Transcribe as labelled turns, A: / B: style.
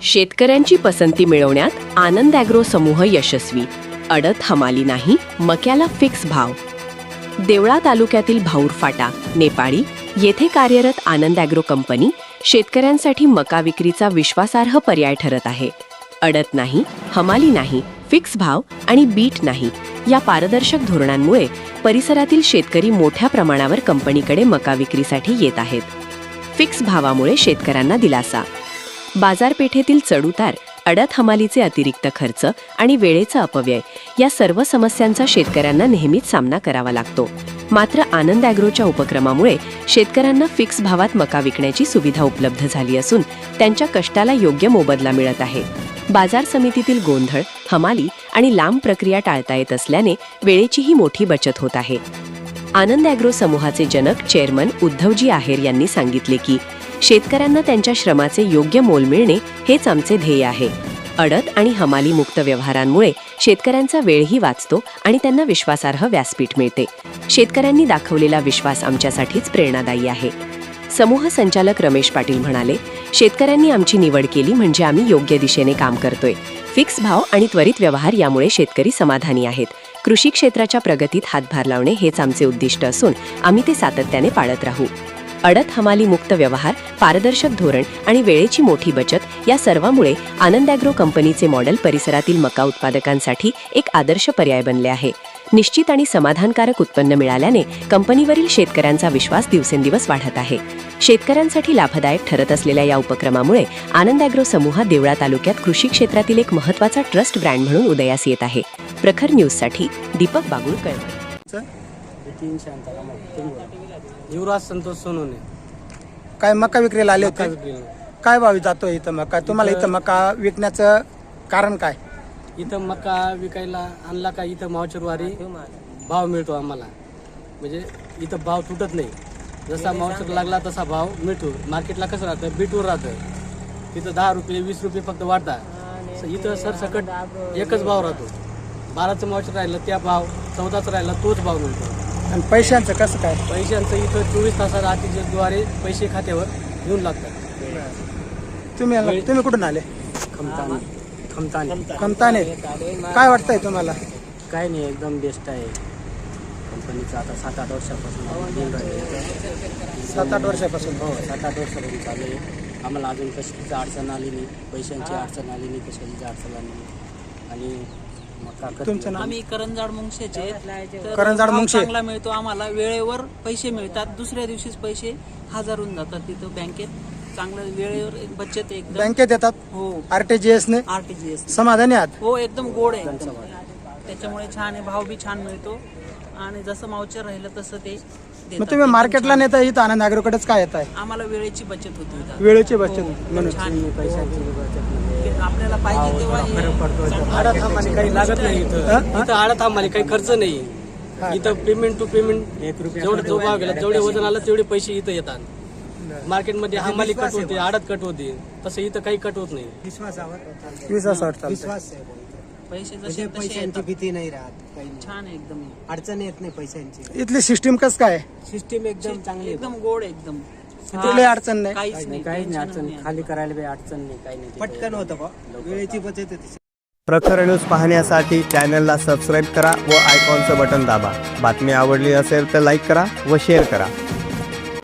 A: शेतकऱ्यांची पसंती मिळवण्यात आनंद ॲग्रो समूह यशस्वी. अडत हमाली नाही, मक्याला फिक्स भाव. देवळा तालुक्यातील भाऊर फाटा, नेपाळी येथे कार्यरत आनंद ॲग्रो कंपनी शेतकऱ्यांसाठी मका विक्रीचा विश्वासार्ह पर्याय ठरत आहे. अडत नाही, हमाली नाही, फिक्स भाव आणि बीट नाही या पारदर्शक धोरणांमुळे परिसरातील शेतकरी मोठ्या प्रमाणावर कंपनीकडे मका विक्रीसाठी येत आहेत. फिक्स भावामुळे शेतकऱ्यांना दिलासा. बाजारपेठेतील चढउतार, अडत हमालीचे अतिरिक्त खर्च आणि वेळेचा अपव्यय या सर्व समस्यांचा शेतकऱ्यांना नेहमीच सामना करावा लागतो. मात्र आनंद ॲग्रोच्या उपक्रमामुळे शेतकऱ्यांना फिक्स भावात मका विकण्याची सुविधा उपलब्ध झाली असून त्यांच्या कष्टाला योग्य मोबदला मिळत आहे. बाजार समितीतील गोंधळ, हमाली आणि लांब प्रक्रिया टाळता येत असल्याने वेळेचीही मोठी बचत होत आहे. आनंद ॲग्रो समूहाचे जनक चेअरमन उद्धवजी आहेर यांनी सांगितले की शेतकऱ्यांना त्यांच्या श्रमाचे योग्य मोल मिळणे हेच आमचे ध्येय आहे. अडत आणि हमाली मुक्त व्यवहारांमुळे शेतकऱ्यांचा वेळही वाचतो आणि त्यांना विश्वासार्ह व्यासपीठ मिळते. शेतकऱ्यांनी दाखवलेला विश्वास आमच्यासाठीच प्रेरणादायी आहे. समूह संचालक रमेश पाटील म्हणाले, शेतकऱ्यांनी आमची निवड केली म्हणजे आम्ही योग्य दिशेने काम करतोय. फिक्स भाव आणि त्वरित व्यवहार यामुळे शेतकरी समाधानी आहेत. कृषी क्षेत्राच्या प्रगतीत हातभार लावणे हेच आमचे उद्दिष्ट असून आम्ही ते सातत्याने पाळत राहू. अडत हमाली मुक्त व्यवहार, पारदर्शक धोरण आणि वेळेची मोठी बचत या सर्वांमुळे आनंद ॲग्रो कंपनीचे मॉडेल परिसरातील मका उत्पादकांसाठी एक आदर्श पर्याय बनले आहे. निश्चित आणि समाधानकारक उत्पन्न मिळाल्याने कंपनीवरील शेतकऱ्यांचा विश्वास दिवसेंदिवस वाढत आहे. शेतकऱ्यांसाठी लाभदायक ठरत असलेल्या या उपक्रमामुळे आनंद ॲग्रो समूह देवळा तालुक्यात कृषी क्षेत्रातील एक महत्त्वाचा ट्रस्ट ब्रँड म्हणून उदयास येत आहे. प्रखर न्यूजसाठी दीपक बागुळकर.
B: युवराज संतोष सोनवणे.
C: काय मका विक्रीला आले होते? काय भाव जातो इथं मका? तुम्हाला इथं मका विकण्याचं कारण काय?
B: इथं मका विकायला आणला का इथं मावचरवारी भाव मिळतो आम्हाला. म्हणजे इथं भाव तुटत नाही. जसा मावचर लागला तसा भाव मिळतो. मार्केटला कसं राहतं, बीटवर राहतं. तिथं 10 रुपये 20 रुपये फक्त वाढतात. इथं सरसकट एकच भाव राहतो. 12चं मावचर राहिलं त्या भाव, 14चं राहिला तोच भाव मिळतो.
C: आणि पैशांचं कसं काय?
B: पैशांचं इथं 24 तासात आरटीजीएसद्वारे पैसे खात्यावर येऊन लागतात.
C: तुम्ही कुठून आले? खमताने. काय वाटतंय तुम्हाला?
B: काय नाही, एकदम बेस्ट आहे कंपनीचं. आता 7-8 वर्षापासून
C: 7-8 वर्षापासून.
B: हो, 7-8 वर्षापासून चालू आहे. आम्हाला अजून कशाची अडचण आली नाही, पैशांची अडचण आली नाही, कशाची अडचण आली नाही. आणि
C: तुमचं नाव?
D: आम्ही करंजाड मुंगशेचे.
C: करंजाड मुंगशे.
D: चांगला मिळतो आम्हाला, वेळेवर पैसे मिळतात. दुसऱ्या दिवशीच पैसे हजारून जातात. तिथं बँकेत चांगलं वेळेवर बचत एकदम.
C: बँकेत येतात?
D: हो.
C: आरटीजीएस ने
D: आरटीजीएस.
C: समाधानी आहात?
D: हो, एकदम गोड आहे. त्याच्यामुळे छान आहे, भाव बी छान मिळतो आणि जसं मावचर राहिलं तसं ते देतात.
C: मग तुम्ही मार्केटला नेता इथं आनंद ॲग्रोकडेच काय येत आहे?
D: आम्हाला वेळेची बचत होती इथं.
C: वेळेची बचत
D: म्हणून छान आहे.
B: पैशांची बचत
D: आपल्याला पाहिजे तेव्हा
B: आडत थांबायला काही लागत नाही. इथं आडत थांबायला काही खर्च नाही. इथं पेमेंट टू पेमेंट, जेवढं जो भाव गेला जेवढे वजन आलं तेवढे पैसे इथं येतात. मार्केटमध्ये हमाली कट होते, आडत कट होते, तसं इथं काही कट होत नाही.
C: विश्वास.
D: पैसे जसे
E: पैशांची भीती नाही राहत, काही
D: छान आहे एकदम.
E: अडचण येत नाही पैशांची.
C: इथली सिस्टीम कसं काय?
E: सिस्टीम एकदम चांगली आहे.
D: एकदम गोड एकदम.
C: कुठली अडचण नाही?
D: काहीच नाही,
B: काहीच नाही अडचण. खाली करायला काही अडचण नाही, काही नाही.
E: पटकन होतं बा, वेळेची बचत होती.
F: प्रखर न्यूज पाहण्यासाठी चॅनलला सबस्क्राईब करा व आयकॉनचं बटन दाबा. बातमी आवडली असेल तर लाईक करा व शेअर करा.